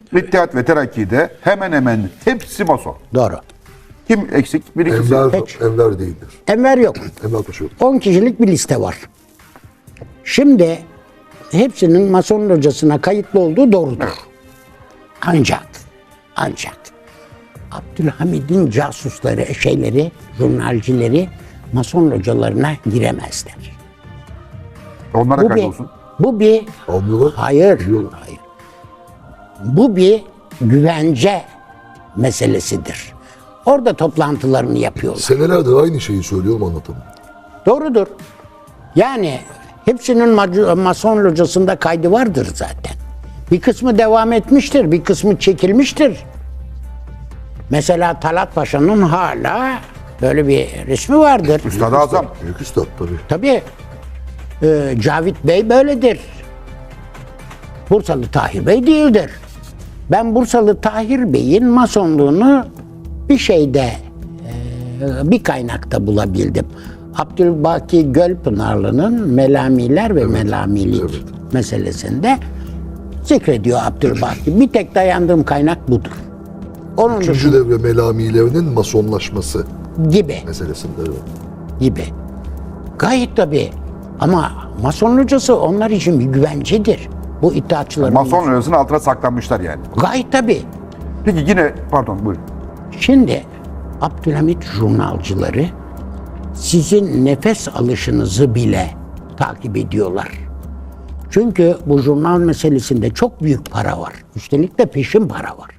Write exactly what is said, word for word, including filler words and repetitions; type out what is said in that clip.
İttihat ve Terakki'de hemen hemen hepsi mason. Doğru. Kim eksik? Bir ikisi. Enver, Peki. Enver değildir. Enver yok. Enver Paşa yok. on kişilik bir liste var. Şimdi hepsinin Mason locasına kayıtlı olduğu doğrudur. Ancak, ancak Abdülhamid'in casusları, şeyleri, jurnalcileri Mason localarına giremezler. Onlara Bu bir, kaydolsun. bu bir, Almıyorlar. hayır, Biliyorlar. hayır. Bu bir güvence meselesidir. Orada toplantılarını yapıyorlar. Senelerdir aynı şeyi söylüyorum, anlatamam. Doğrudur. Yani hepsinin mac- Mason locasında kaydı vardır zaten. Bir kısmı devam etmiştir, bir kısmı çekilmiştir. Mesela Talat Paşa'nın hala böyle bir resmi vardır. Üstad-ı Azam. Büyük üstad tabii. Tabii e, Cavit Bey böyledir. Bursalı Tahir Bey değildir. Ben Bursalı Tahir Bey'in masonluğunu bir şeyde, e, bir kaynakta bulabildim. Abdülbaki Gölpınarlı'nın Melamiler ve Melamilik evet. meselesinde zikrediyor Abdülbaki. Bir tek dayandığım kaynak budur. Onun Üçüncü devre melamilerinin masonlaşması gibi. meselesinde. Evet. gibi. Gayet tabii. Ama Mason locası onlar için bir güvencedir. Bu iddiaçıların. Mason lojasının altına saklanmışlar yani. Gayet tabii. Peki yine pardon buyurun. Şimdi Abdülhamit jurnalcıları sizin nefes alışınızı bile takip ediyorlar. Çünkü bu jurnal meselesinde çok büyük para var. Üstelik de peşin para var.